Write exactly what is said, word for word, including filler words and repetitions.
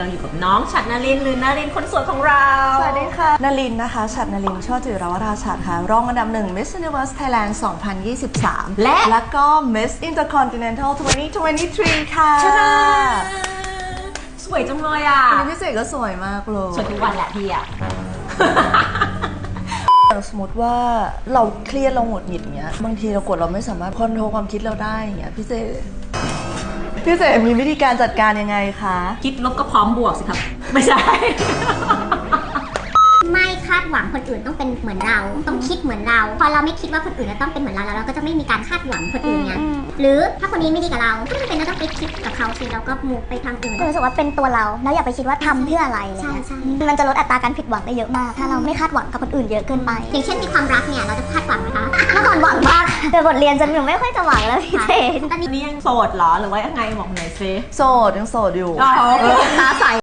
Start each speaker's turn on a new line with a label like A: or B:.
A: เราอยู่กับน้องฉัตรนลินหรือนลินคนสวยของเรา
B: สวัสดีค่ะนลินนะคะฉัตรนลินช่อจิรวราชัดค่ะรองอันดับหนึ่ง Miss Universe Thailand สองพันยี่สิบสามและแล้วก็ Miss Intercontinental สองพันยี่สิบสามค่ะ
A: สวยจังเลยอ่ะ
B: วันนี้พี่เสกก็สวยมากเลย
A: สวยทุกวันแหละพี่อ่ะ
B: สมมติว่าเราเครียดเราหงุดหงิดอย่างเงี้ยบางทีเรากดเราไม่สามารถคอนโทรลความคิดเราได้อย่างเงี้ยพี่เสกพี่เสกมีวิธีการจัดการยังไงคะ
A: คิดลบก็พร้อมบวกสิครับไม่ใช่
C: ไม่คาดหวังคนอื่นต้องเป็นเหมือนเราต้องคิดเหมือนเราพอเราไม่คิดว่าคนอื่นจะต้องเป็นเหมือนเราแล้วเราก็จะไม่มีการคาดหวังคนอื่นไงหรือถ้าคนนี้ไม่ดีกับเราก็ไม่เป็นเราต้องไปคิดกับเขาสิเราก็มูฟไปทางอื่น
D: รู้สึกว่าเป็นตัวเราแล้วอย่าไปคิดว่าทำเพื่ออะไรเลยใช่มันจะลดอัตราการผิดหวังได้เยอะมากถ้าเราไม่คาดหวังกับคนอื่นเยอะเกินไป
C: อย่างเช่นในความรักเนี่ยเราจะคาดหวังไหมคะ
D: เมื่อก่อนหวังมากแต่บทเรียนจนหนูไม่ค่อยจะหวังแล้วพี่เจน
A: ตอนนี้ยังโสดเหรอหรือว่ายังไงบอกหน่อยซิ
B: โสดยังโสดอยู่
A: ตาใส